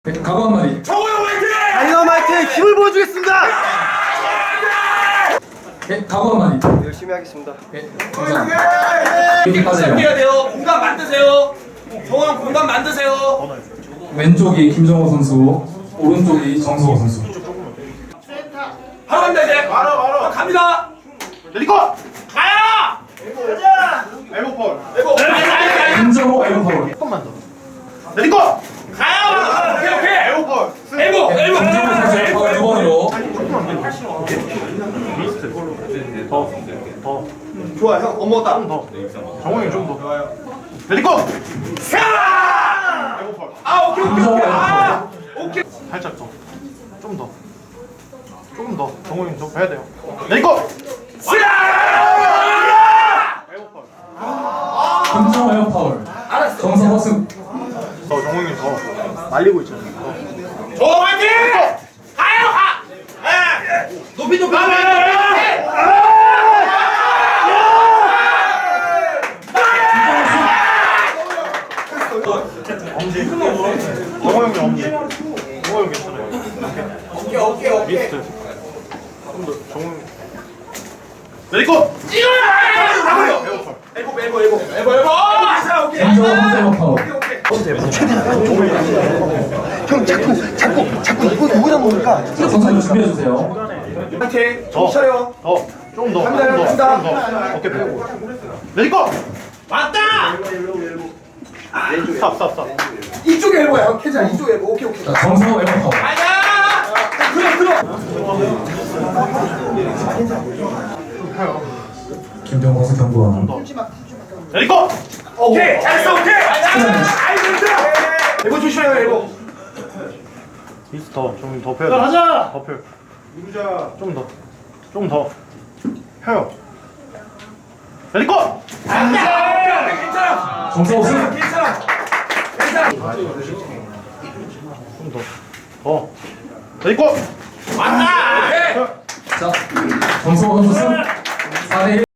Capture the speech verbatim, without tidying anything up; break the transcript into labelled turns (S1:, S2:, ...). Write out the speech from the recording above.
S1: 각오 한마디.
S2: 정우영 화이팅!
S3: 다이너마이트 힘을 보여주겠습니다.
S1: 네, 각오 한마디.
S3: 열심히 하겠습니다.
S1: 네, 감사합니다. 이렇게 빠져요.
S2: 해야 돼요. 공간 만드세요. 정우영 공간 만드세요.
S1: 왼쪽이 김정호 선수, 오른쪽이 정수호 선수.
S2: 바로 갑니다 이제. 바로 바로 갑니다.
S3: 레디고!
S2: 가요.
S3: 가자! 엘보폴.
S2: 에고.
S1: 김정호 에어파울.
S3: 조금만 더. 레디고!
S2: 가요. 오케이 오케이.
S3: 엘보폴.
S2: 에고
S1: 네,
S2: 에고.
S1: 김정호 선수 에어파울 두 번으로.
S3: 더. 더.
S2: 좋아 형 엄먹었다.
S3: 좀 더. 정훈이 좀 더. 좋아요. 레디고!
S2: 사.
S3: 엘보폴.
S2: 아 오케이 오케이
S1: 김정호
S2: 오케이. 아
S1: 에어파울.
S2: 오케이.
S3: 살짝 더. 좀 더. 조금 더. 정훈이 좀 해야 돼요. 레디고!
S2: 사.
S3: 엘보폴.
S1: 김정호 에어파울.
S2: 알았어.
S1: 정성호 승.
S3: 더 정훈이 더. 말리고 있잖아요. 더.
S2: 정우영 화이팅! 가요 가. 예. 높이 높이.
S3: 엄지. 정호영이 엄지. 정호영 괜찮아요.
S2: 오케이 오케이 오케이.
S3: 미스트. 좀 더. 정훈. 레디고!
S2: 이거야! 나와요.
S3: 엘보폴.
S2: 에고 에고 에고 에고 에고. 자 오케이.
S1: 김정호 선수 에어파울.
S4: 형 자꾸 자꾸 자꾸 이거 누구나 모르니까
S1: 선수 준비해주세요.
S2: 화이팅.
S3: 더.
S2: 차려.
S3: 더. 좀 더.
S2: 갑니다,
S3: 좀 더.
S2: 갑니다.
S3: 좀 더. 어깨 펴고. 레디고!
S2: 왔다.
S3: 스탑 스탑 스탑.
S2: 이쪽에 에고야 형. 캐자 이쪽에 에고. 오케이 오케이.
S1: 자, 정성호 에어파울.
S2: 가자. 들어 들어.
S1: 김정호 선수 경고원.
S3: 레디고!
S2: 오케이 잘했어 오케이. 아이 됐다. 에고 조심해요 에고.
S3: 미스 더. 좀 더 펴야 돼. 가자! 더 펴. 누구자? 좀 더. 좀 더. 펴요. 레디고!
S2: 괜찮아 괜찮아
S1: 정성호 승.
S2: 괜찮아 괜찮아.
S3: 좀 더. 더. 레디고!
S2: 왔다. 오케이.
S1: 자, 정성호 선수 승. 사 대 일.